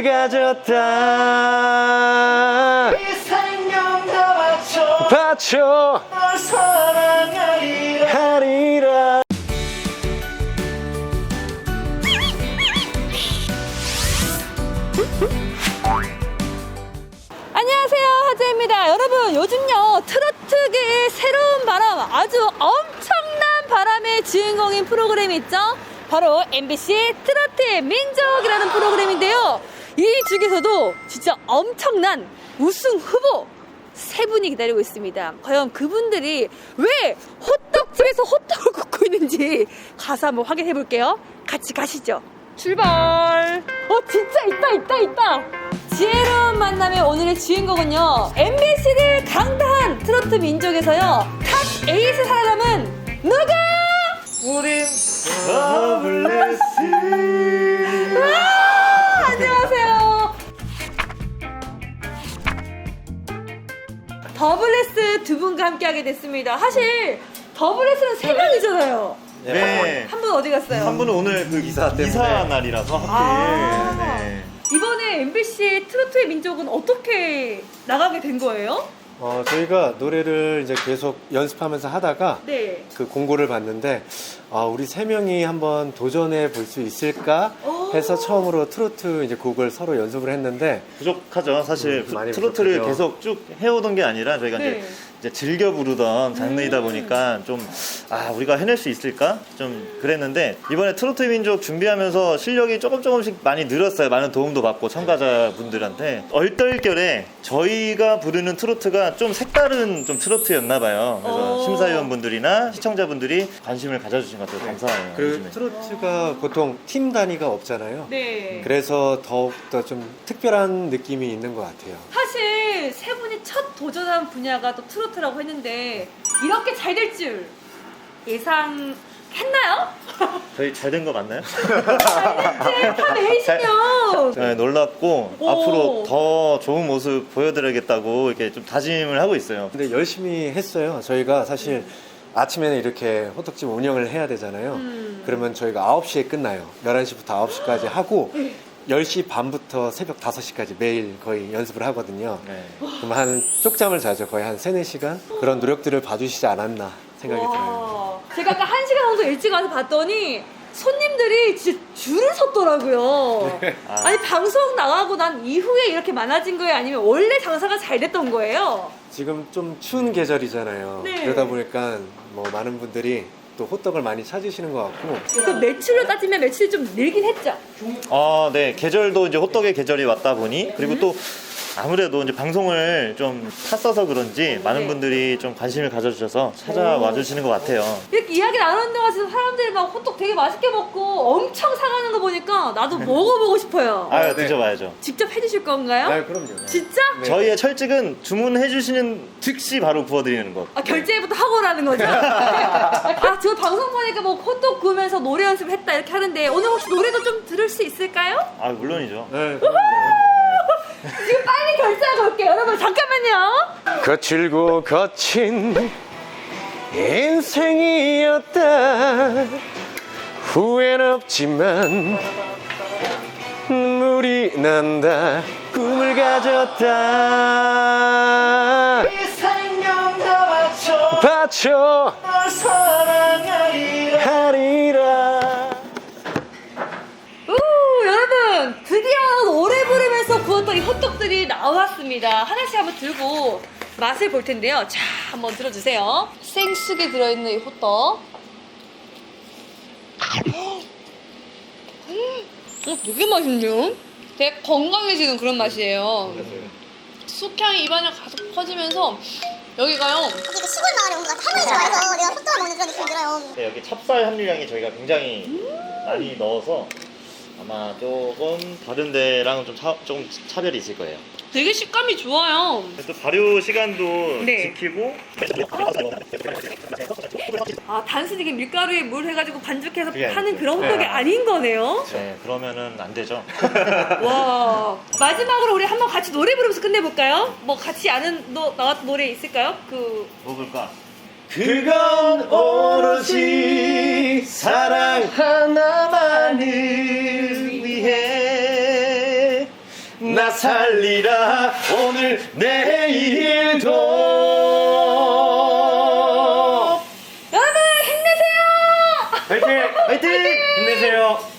꿈을 가졌다. 이 생명 다 바쳐 널 사랑하리라. 하리라. 안녕하세요, 하재입니다. 여러분, 요즘요 트로트계의 새로운 바람, 아주 엄청난 바람의 주인공인 프로그램이 있죠. 바로 MBC 트로트의 민족이라는 프로그램인데요, 이 중에서도 진짜 엄청난 우승 후보 세 분이 기다리고 있습니다. 과연 그분들이 왜 호떡집에서 호떡을 굽고 있는지 가서 한번 확인해 볼게요. 같이 가시죠. 출발. 진짜 있다. 지혜로운 만남의 오늘의 주인공은요, MBC를 강타한 트로트 민족에서요 탑 8을 살아남은 누가? 우린 더블레스. 안녕하세요. 더블레스 두 분과 함께하게 됐습니다. 사실 더블레스는 세 명이잖아요. 네. 한 분 어디 갔어요? 한 분은 오늘 그 이사 때문에. 이사 날이라서 하필. 네. 이번에 MBC 트로트의 민족은 어떻게 나가게 된 거예요? 저희가 노래를 이제 계속 연습하면서 하다가 네. 그 공고를 봤는데, 우리 세 명이 한번 도전해 볼 수 있을까 해서 처음으로 트로트 이제 곡을 서로 연습을 했는데, 부족하죠. 사실 많이 트로트를 부족하죠. 계속 쭉 해오던 게 아니라 저희가 네. 이제 즐겨 부르던 장르이다 보니까 좀 우리가 해낼 수 있을까 좀 그랬는데, 이번에 트로트 민족 준비하면서 실력이 조금씩 많이 늘었어요. 많은 도움도 받고 참가자분들한테. 얼떨결에 저희가 부르는 트로트가 좀 색다른 좀 트로트였나 봐요. 그래서 심사위원분들이나 시청자분들이 관심을 가져주신 것 같아요. 감사해요. 그리고 요즘에. 트로트가 보통 팀 단위가 없잖아요. 네. 그래서 더욱더 좀 특별한 느낌이 있는 것 같아요. 사실 세 분이 첫 도전한 분야가 또 트로트라고 했는데 이렇게 잘 될 줄 예상했나요? 저희 잘 된 거 맞나요? 탑 8이시면 네, 놀랍고 오. 앞으로 더 좋은 모습 보여드려야겠다고 이렇게 좀 다짐을 하고 있어요. 근데 열심히 했어요. 저희가 사실 아침에는 이렇게 호떡집 운영을 해야 되잖아요. 그러면 저희가 9시에 끝나요. 11시부터 9시까지 하고 10시 반부터 새벽 5시까지 매일 거의 연습을 하거든요. 네. 그럼 한 쪽잠을 자죠. 거의 한 3, 4시간? 그런 노력들을 봐주시지 않았나 생각이 들어요. 제가 아까 1시간 정도 일찍 와서 봤더니 손님들이 진짜 줄을 섰더라고요. 아니 방송 나가고 난 이후에 이렇게 많아진 거예요? 아니면 원래 장사가 잘 됐던 거예요? 지금 좀 추운 계절이잖아요. 네. 그러다 보니까 뭐 많은 분들이 또 호떡을 많이 찾으시는 것 같고. 그 매출로 따지면 매출이 좀 늘긴 했죠? 네. 계절도 이제 호떡의 계절이 왔다 보니, 그리고 또 아무래도 이제 방송을 좀 탔어서 그런지 많은 분들이 좀 관심을 가져주셔서 찾아와 주시는 것 같아요. 이렇게 이야기 나누는 동안 지금 사람들이 막 호떡 되게 맛있게 먹고 엄청 사가는 거 보니까 나도 먹어보고 싶어요. 네. 드셔봐야죠. 직접 해주실 건가요? 아, 그럼요. 진짜? 네. 저희의 철칙은 주문해주시는 즉시 바로 구워드리는 것. 결제부터 하고 라는 거죠? 저 방송 보니까 뭐 호떡 구우면서 노래 연습을 했다 이렇게 하는데 오늘 혹시 노래도 좀 들을 수 있을까요? 물론이죠. 네. 지금 빨리 결제하고 올게요. 여러분 잠깐만요. 거칠고 거친 인생이었다. 후회는 없지만 눈물이 난다. 꿈을 가졌다. 이 생명 다 바쳐 널 사랑하리라. 하리라. 여러분 드디어 노래 부르면서 구웠던 이 호떡들이 나왔습니다. 하나씩 한번 들고 맛을 볼 텐데요. 자, 한번 들어주세요. 생쑥에 들어있는 이 호떡. 되게 맛있네요. 되게 건강해지는 그런 맛이에요. 쑥향이 입안에 가득 퍼지면서 여기가요. 이게 시골 마을에 온 것 같아. 할머니 좋아해서 내가 호떡을 먹는 그런 느낌이 들어요. 네, 여기 찹쌀 함유량이 저희가 굉장히 많이 넣어서 아마 조금 다른 데랑은 조금 차별이 있을 거예요. 되게 식감이 좋아요. 또 발효 시간도 네. 지키고. 단순히 이게 밀가루에 물 해가지고 반죽해서 그게 파는 아니죠. 그런 호떡이 네. 아닌 거네요. 네, 그러면은 안 되죠. 와, 마지막으로 우리 한번 같이 노래 부르면서 끝내볼까요? 뭐 같이 아는 나왔던 노래 있을까요? 뭐 볼까? 그건 오로지 사랑 하나만을 위해 나 살리라 오늘 내일도. 여러분 힘내세요. 화이팅! 화이팅! 힘내세요.